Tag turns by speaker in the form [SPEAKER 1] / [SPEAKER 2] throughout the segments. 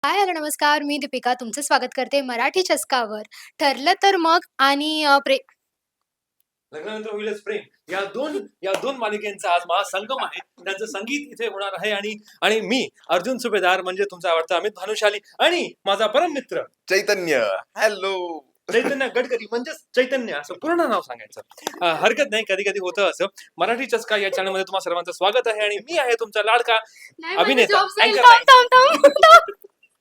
[SPEAKER 1] हाय, hello, नमस्कार. मी दीपिका तुमचं स्वागत करते मराठी चस्कावर. ठरलं तर मग आणि
[SPEAKER 2] लग्नानंतर होईलच प्रेम या दोन मालिकेंचा आज महासंगम आहे. त्यांचं संगीत इथे होणार आहे आणि आणि मी अर्जुन सुभेदार म्हणजे तुमचा आवडता अमित भानुशाली आणि माझा परम मित्र
[SPEAKER 3] चैतन्य. हॅलो.
[SPEAKER 2] चैतन्य गडकरी म्हणजेच चैतन्य असं पूर्ण नाव सांगायचं. हरकत नाही, कधी कधी होतं असं. मराठी चस्का या चॅनल मध्ये तुम्हा सर्वांचं स्वागत आहे आणि मी आहे तुमचा लाडका
[SPEAKER 1] नाही माझा
[SPEAKER 2] अभिनेता
[SPEAKER 1] जॉब जाईल.
[SPEAKER 2] अँकर
[SPEAKER 1] थांब, थांब, थांब, थांब.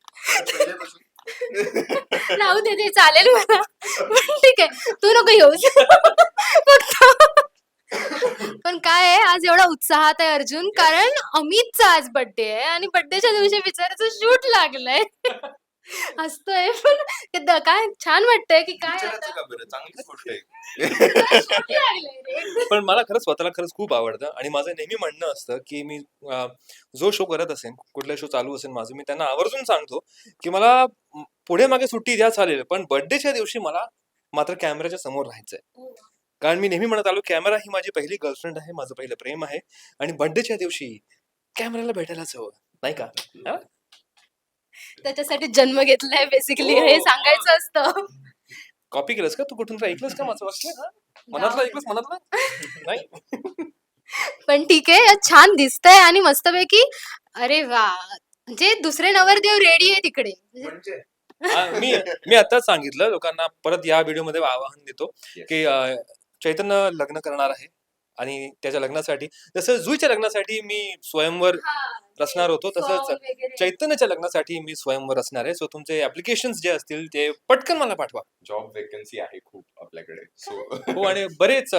[SPEAKER 1] राहू दे, ते चालेल मला. पण ठीक आहे. तू नको येऊस. फक्त पण काय आहे, आज एवढा उत्साहात आहे अर्जुन, कारण अमितचा आज बर्थडे आहे आणि बर्थडेच्या दिवशी बिचाऱ्याचं शूट लागलंय. हसतोय पण काय छान वाटतंय की काय
[SPEAKER 3] विचारायचं का बरं? चांगली गोष्ट आहे.
[SPEAKER 1] शूट लागलंय रे.
[SPEAKER 2] पण मला खरंच स्वतःला खरंच खूप आवडतं आणि माझं नेहमी म्हणणं असतं की मी जो शो करत असेल, कुठला शो चालू असेल माझं, मी त्यांना आवर्जून सांगतो की मला पुढे मागे सुट्टी द्या चालेल, पण बर्थडेच्या दिवशी मला मात्र कॅमेऱ्याच्या समोर राहायचंय. कारण मी नेहमी म्हणत आलो, कॅमेरा ही माझी पहिली गर्लफ्रेंड आहे, माझं पहिलं प्रेम आहे आणि बर्थडेच्या दिवशी कॅमेऱ्याला भेटायलाच हवं, नाही का? हा?
[SPEAKER 1] त्याच्यासाठी जन्म घेतलाय बेसिकली हे सांगायचं असतं.
[SPEAKER 2] कॉपी केलंस का तू? कुठून तर ऐकलंस का माझं वाक्य? हा? मनातलं ऐकलंस? मनातलं नाही.
[SPEAKER 1] पण ठीक आहे, छान दिसतंय आणि मस्तपैकी. अरे वा, म्हणजे दुसरे नवरदेव रेडी आहे तिकडे.
[SPEAKER 3] म्हणजे
[SPEAKER 2] मी मी आताच सांगितलं लोकांना, परत या व्हिडिओमध्ये आवाहन देतो की चैतन्य लग्न करणार आहे आणि त्याच्या लग्नासाठी, जसं जुईच्या लग्नासाठी मी स्वयंवर रचणार होतो, तसंच चैतन्याच्या लग्नासाठी मी स्वयंवर रचणार आहे. सो तुमचे ऍप्लिकेशन जे असतील ते पटकन मला पाठवा.
[SPEAKER 3] जॉब वेकन्सी आहे खूप आपल्याकडे.
[SPEAKER 2] हो, आणि बरेच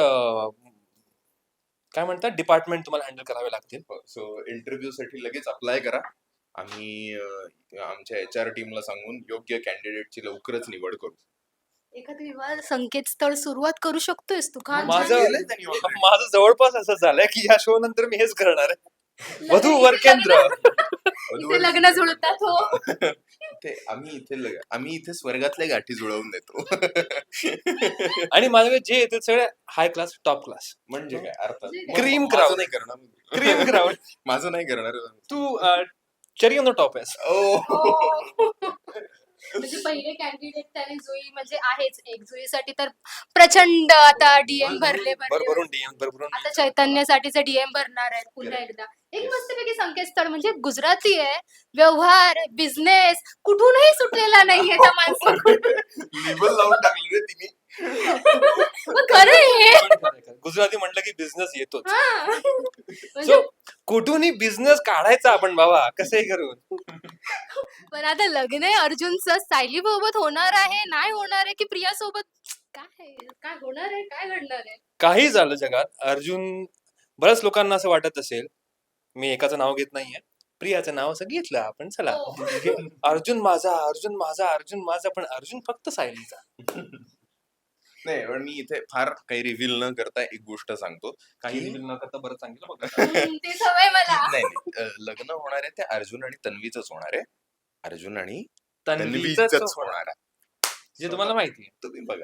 [SPEAKER 2] काय म्हणतात डिपार्टमेंट तुम्हाला हँडल करावे लागतील.
[SPEAKER 3] सो इंटरव्ह्यू साठी लगेच अप्लाय करा. आम्ही आमच्या HR टीमला सांगून योग्य कॅन्डिडेटची लवकरच निवड करू.
[SPEAKER 1] एखादं विवाह संकेतस्थळ सुरुवात करू शकतोयस तू का?
[SPEAKER 2] माझं
[SPEAKER 3] केलंय त्यांनी already.
[SPEAKER 2] माझं जवळपास असं झालंय की या शो नंतर मी हेच करणार आहे. वधू वर केंद्र.
[SPEAKER 1] इथे लग्न जुळतात हो.
[SPEAKER 3] आम्ही इथे स्वर्गातल्या गाठी जुळवून देतो.
[SPEAKER 2] आणि माझ्याकडे जे येतील सगळे हाय क्लास, टॉप क्लास.
[SPEAKER 3] म्हणजे काय अर्थात
[SPEAKER 2] Cream
[SPEAKER 3] माझं
[SPEAKER 2] crowd.
[SPEAKER 3] नाही करणार.
[SPEAKER 2] Cream crowd.
[SPEAKER 3] माझं नाही करणार.
[SPEAKER 2] तू चेरी ऑन द टॉप आहेस.
[SPEAKER 1] म्हणजे पहिले कॅन्डिडेट त्याने जुई म्हणजे आहेच एक जुईसाठी तर प्रचंड आता डीएम भरले
[SPEAKER 2] भरभरून DM, भरभरून
[SPEAKER 1] आता चैतन्यासाठीचे डीएम भरणार आहेत पुन्हा एकदा. एक मस्तपैकी संकेतस्थळ म्हणजे गुजराती आहे, व्यवहार, बिझनेस कुठूनही सुटलेला नाहीये त्या माणसाकडून.
[SPEAKER 3] लेबल लावून टाकलं रे तिने.
[SPEAKER 1] मग खरं आहे हे.
[SPEAKER 2] गुजराती म्हटलं की बिझनेस येतोच.
[SPEAKER 1] हा. म्हणजे
[SPEAKER 2] सो कुठूनही बिझनेस काढायचा आपण बाबा, कसंही करून.
[SPEAKER 1] पण आता लग्न आहे अर्जुनचं, सायली सोबत होणार आहे, नाही होणार आहे की प्रिया सोबत? काय काय होणार आहे, काय घडणार आहे?
[SPEAKER 2] काही झालं जगात, अर्जुन, बऱ्याच लोकांना असं वाटत असेल, मी एकाचं नाव घेत नाहीये, प्रियाचं नाव असं घेतलं आपण, चला
[SPEAKER 1] हो.
[SPEAKER 2] की अर्जुन माझा, अर्जुन माझा, अर्जुन माझा, पण अर्जुन फक्त सायलीचा.
[SPEAKER 3] नाही, पण मी इथे फार काही रिव्हील न करता एक गोष्ट सांगतो.
[SPEAKER 2] काही
[SPEAKER 3] की-
[SPEAKER 2] रिव्हील न करता बरं चांगलं बघा.
[SPEAKER 1] ते सवय मला.
[SPEAKER 3] नाही नाही, लग्न होणार आहे ते अर्जुन आणि तन्वीचंच होणार आहे. अर्जुन आणि
[SPEAKER 2] तन्वीचंच
[SPEAKER 3] तन्वीचंच
[SPEAKER 2] होणार.
[SPEAKER 3] होणार आहे.
[SPEAKER 2] जे तुम्हाला माहिती आहे.
[SPEAKER 3] तुम्ही बघा.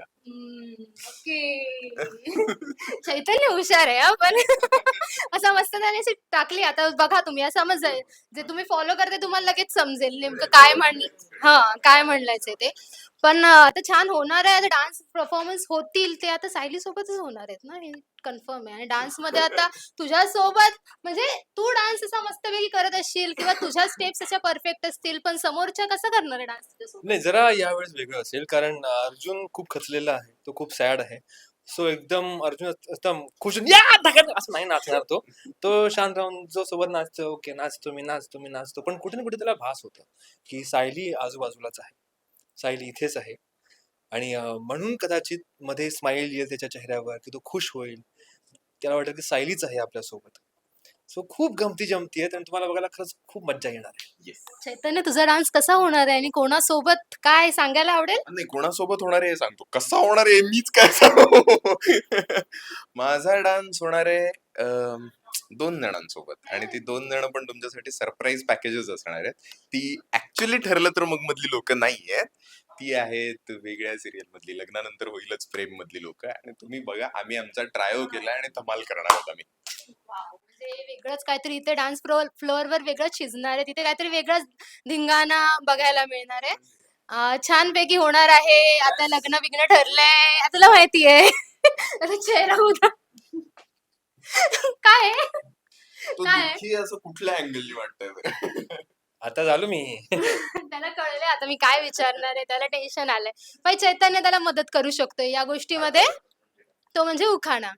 [SPEAKER 1] ओके. चैतन्य हुशार आहे हा, पण असं मस्त त्याने अशी टाकली. आता बघा तुम्ही असं समजेल, जे तुम्ही फॉलो करते तुम्हाला लगेच समजेल नेमकं काय काय म्हणलायचं ते. पण आता छान होणार आहे. आता डान्स परफॉर्मन्स होतील ते आता सायली सोबतच होणार आहेत ना, हे कन्फर्म आहे. आणि डान्स मध्ये आता तुझ्या सोबत म्हणजे तू डान्स असा मस्तपैकी करत असशील किंवा तुझ्या स्टेप्स अशा परफेक्ट असतील, पण समोरच्या कसं करणार आहे डान्स तुझ्यासोबत?
[SPEAKER 2] नाही, जरा यावेळेस वेगळं असेल, कारण अर्जुन खूप खचलेला आहे, तो खूप सॅड आहे. सो एकदम अर्जुन एकदम खुश होऊन, या धगात असं नाही नाचणार तो. तो शांत राहून जो सोबत नाचतो, ओके नाचतो मी नाचतो, पण कुठे ना कुठे त्याला भास होतं की सायली आजूबाजूलाच आहे, सायली इथेच आहे. आणि म्हणून कदाचित मध्ये स्माइल येईल त्याच्या चेहऱ्यावर की तो खुश होईल, त्याला वाटेल की सायलीच आहे आपल्यासोबत. सो खूप गमती जमती आहेत आणि तुम्हाला बघायला खरंच खूप मज्जा येणार आहे.
[SPEAKER 3] येस.
[SPEAKER 1] चैतन्य तुझा डान्स कसा होणार आहे आणि कोणासोबत काय सांगायला आवडेल?
[SPEAKER 3] नाही, कोणासोबत होणार आहे हे सांगतो. कसा होणार आहे मीच काय सांगू. माझा डान्स होणार आहे 2 जणांसोबत आणि ती 2 जण पण तुमच्यासाठी सरप्राईज पॅकेजेस असणार आहेत. ती ऍक्च्युली ठरलं तर मग मधली लोक नाही आहेत. ती आहेत वेगळ्या सिरियल मधली, लग्नानंतर होईलच प्रेम मधली लोक. आणि तुम्ही बघा, आम्ही आमचा ट्रायो केला आणि धमाल करणार आहोत आम्ही.
[SPEAKER 1] म्हणजे वेगळंच काहीतरी इथे डान्स फ्लोअरवर वेगळंच शिजणार आहे, तिथे काहीतरी वेगळाच धिंगाणा बघायला मिळणार आहे. छानपैकी होणार आहे. आता लग्न बिग्न ठरलंय, आता तुला माहितीये. आता चेहरा उदा काय आहे?
[SPEAKER 3] तो
[SPEAKER 1] काय आहे?
[SPEAKER 3] दुःखी असं कुठल्या अँगलनी वाटतंय?
[SPEAKER 2] आता झालो मी.
[SPEAKER 1] त्याला कळलंय आता मी काय विचारणार आहे, त्याला टेन्शन आलंय. पण चैतन्य त्याला मदत करू शकतोय या गोष्टीमध्ये, तो म्हणजे उखाणा.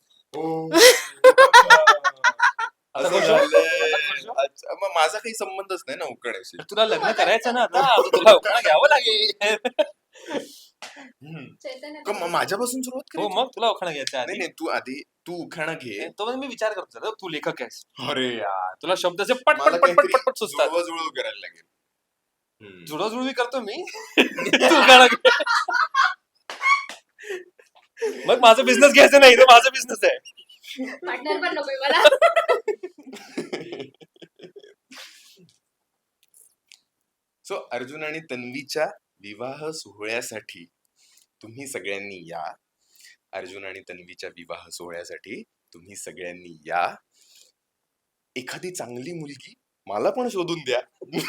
[SPEAKER 2] आता
[SPEAKER 3] असं
[SPEAKER 2] खुश हो?
[SPEAKER 3] झालंय.
[SPEAKER 2] आता खुश हो?
[SPEAKER 3] अच्छा, मग माझा काही संबंधच नाही ना उखाण्याशी.
[SPEAKER 2] तुला लग्न करायचं ना आता, आता तुला उखाणा घ्यावं लागेल.
[SPEAKER 3] हम्म.
[SPEAKER 1] चैतन्य
[SPEAKER 3] का माझ्यापासून सुरुवात
[SPEAKER 2] हो
[SPEAKER 3] करायची?
[SPEAKER 2] मग तुला उखाणा घ्यायचा
[SPEAKER 3] नाही
[SPEAKER 2] आधी.
[SPEAKER 3] नाही, तू उखाणा घे.
[SPEAKER 2] तो म्हणजे मी विचार करतो जरा, तू लेखक आहेस,
[SPEAKER 3] अरे यार,
[SPEAKER 2] तुला शब्द असे पट
[SPEAKER 3] मला
[SPEAKER 2] पट पट पट पट पट सुचतात.
[SPEAKER 3] जुळवाजुळव करायला लागेल. हम्म.
[SPEAKER 2] जुळवाजुळवी करतो मी. तू उखाणा घे. मग माझा बिझनेस घ्यायचा नाही, तो माझा बिझनेस आहे.
[SPEAKER 1] पार्टनर पण नकोय मला.
[SPEAKER 3] सो अर्जुन आणि तन्वीच्या विवाह सोहळ्यासाठी तुम्ही सगळ्यांनी या. अर्जुन आणि तन्वीच्या विवाह सोहळ्यासाठी तुम्ही सगळ्यांनी या. एखादी चांगली मुलगी मला पण शोधून द्या.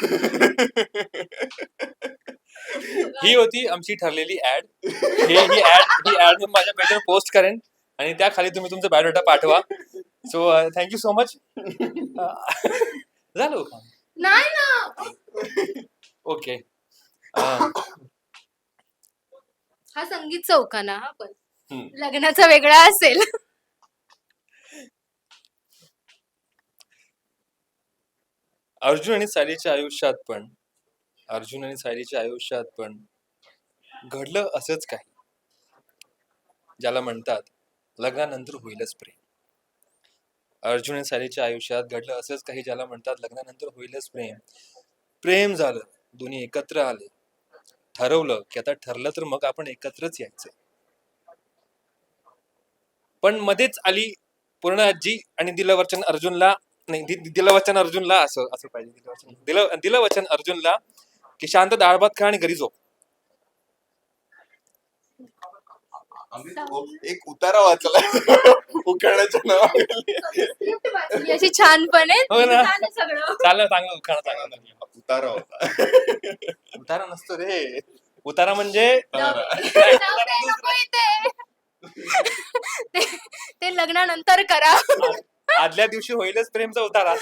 [SPEAKER 2] ही होती आमची ठरलेली ऍड. ही ऍड मी माझ्या पेजवर पोस्ट करेन आणि त्या खाली तुम्ही तुमचा बायोडाटा पाठवा. So thank you so much. झालं उखाणा.
[SPEAKER 1] नाही ना.
[SPEAKER 2] ओके.
[SPEAKER 1] हा संगीत चौकाना हा पण
[SPEAKER 3] हम्म.
[SPEAKER 1] लग्नाचा वेगळा असेल.
[SPEAKER 2] अर्जुन आणि सायलीच्या आयुष्यात पण घडलं असंच काही ज्याला म्हणतात लग्नानंतर होईलच प्रेम. अर्जुन आणि सायलीच्या आयुष्यात घडलं असंच काही ज्याला म्हणतात लग्नानंतर होईलच प्रेम. प्रेम झालं, दोन्ही एकत्र आले, ठरवलं की आता ठरलं तर मग आपण एकत्रच यायचं. पण मध्येच आली पूर्ण आजी आणि दिलं वचन अर्जुनला, नाही दिलं वचन अर्जुनला, असं असं पाहिजे, दिलं वचन अर्जुनला की शांत डाळ भात खा आणि घरी झोप.
[SPEAKER 3] एक उतारा वाचला उखाण्याच्या नावाखाली.
[SPEAKER 1] स्क्रिप्ट वाचली अशी छानपणे.
[SPEAKER 2] हो ना.
[SPEAKER 1] छान आहे सगळं.
[SPEAKER 2] चांगलं चांगलं उखाणा चांगला.
[SPEAKER 3] उतारा होता.
[SPEAKER 2] उतारा नसतो रे, उतारा म्हणजे
[SPEAKER 1] जाऊ दे, नको इथे. ते लग्नानंतर करा.
[SPEAKER 2] आदल्या दिवशी होईलच प्रेमचा उतारा.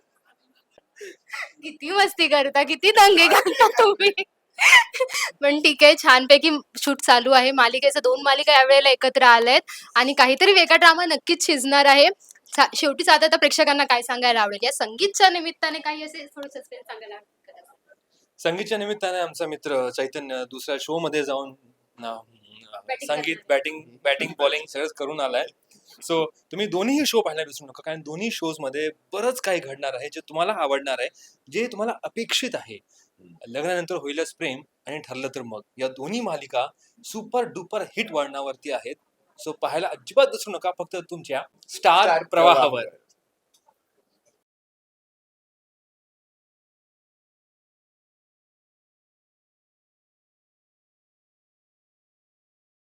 [SPEAKER 1] किती मस्ती करता, किती दंगे घालता तुम्ही. पण ठीक आहे, छानपैकी शूट चालू आहे. मालिकेच्या 2 मालिका यावेळेला एकत्र आल्यात आणि काहीतरी वेगळा ड्रामा नक्कीच शिजणार आहे. शेवटी साधं आता प्रेक्षकांना काय सांगायला आवडेल या संगीतच्या निमित्ताने, काही असे थोडं सस्पेन्स सांगायला आवडेल?
[SPEAKER 2] संगीतच्या निमित्ताने आमचा मित्र चैतन्य दुसऱ्या शो मध्ये जाऊन संगीत बॅटिंग बॉलिंग सगळंच करून आलाय. सो तुम्ही दोन्ही शो पाहायला विसरू नका, कारण दोन्ही शोज मध्ये बरंच काही घडणार आहे जे तुम्हाला आवडणार आहे, जे तुम्हाला अपेक्षित आहे. लग्नानंतर होईलच प्रेम आणि ठरलं तर मग या दोन्ही मालिका सुपर डुपर हिट वळणावरती आहेत. सो पाहायला अजिबात विसरू नका, फक्त तुमच्या स्टार प्रवाहावर.